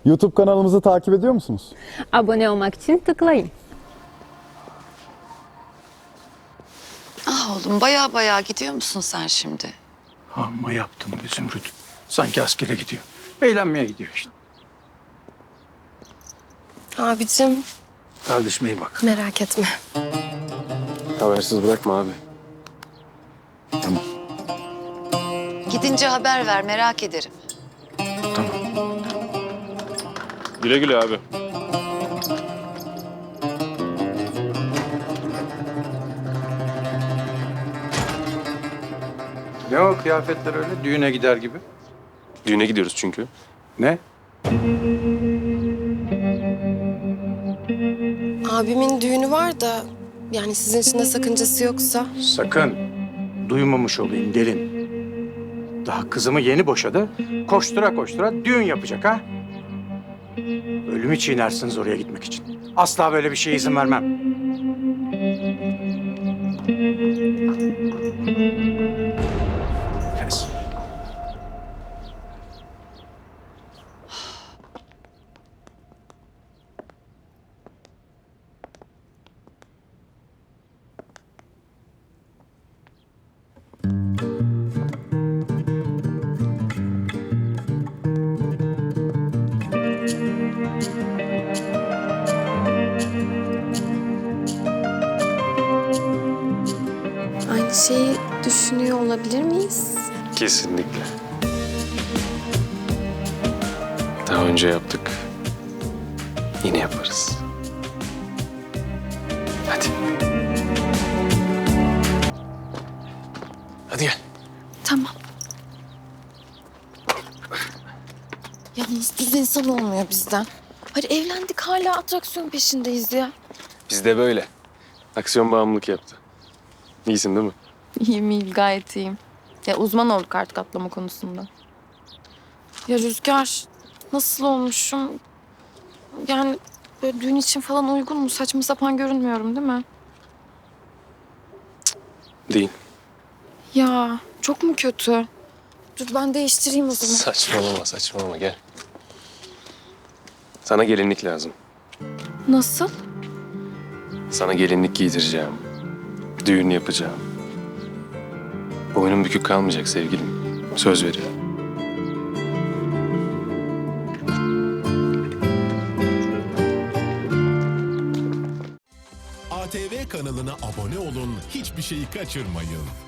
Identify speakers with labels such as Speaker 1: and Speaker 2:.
Speaker 1: YouTube kanalımızı takip ediyor musunuz?
Speaker 2: Abone olmak için tıklayın.
Speaker 3: Ah oğlum baya gidiyor musun sen şimdi?
Speaker 4: Amma yaptım be Zümrüt. Sanki askere gidiyor. Eğlenmeye gidiyor işte.
Speaker 5: Abicim
Speaker 4: Kardeşime iyi bak.
Speaker 5: merak etme.
Speaker 6: Habersiz bırakma abi.
Speaker 4: Tamam.
Speaker 3: Gidince haber ver merak ederim.
Speaker 6: Güle güle abi.
Speaker 4: Ne o kıyafetler öyle? Düğüne gider gibi.
Speaker 6: Düğüne gidiyoruz çünkü.
Speaker 4: Ne?
Speaker 5: Abimin düğünü var da yani sizin için de sakıncası yoksa.
Speaker 4: Sakın duymamış olayım gelin. Daha kızımı yeni boşadı. Koştura koştura düğün yapacak ha. Ölümü çiğnersiniz oraya gitmek için. Asla böyle bir şeye izin vermem. Pes.
Speaker 5: Aynı şeyi düşünüyor olabilir miyiz?
Speaker 6: Kesinlikle. Daha önce yaptık. Yine yaparız. Hadi. Hadi gel.
Speaker 5: Tamam. Yalnız düz insan olmuyor bizden. Hadi evlendik hala atraksiyon peşindeyiz ya.
Speaker 6: Biz de böyle. Aksiyon bağımlılık yaptı. İyisin değil mi?
Speaker 5: İyiyim gayet iyiyim. Ya uzman olduk artık atlama konusunda. Ya Rüzgar nasıl olmuşum? Yani böyle düğün için falan uygun mu? Saçma sapan görünmüyorum değil mi?
Speaker 6: Değil.
Speaker 5: Ya çok mu kötü? Dur ben değiştireyim o zaman.
Speaker 6: Saçmalama gel. Sana gelinlik lazım.
Speaker 5: Nasıl?
Speaker 6: Sana gelinlik giydireceğim. Düğün yapacağım. Boynun bükük kalmayacak sevgilim. Söz veriyorum.
Speaker 7: ATV kanalına abone olun, hiçbir şeyi kaçırmayın.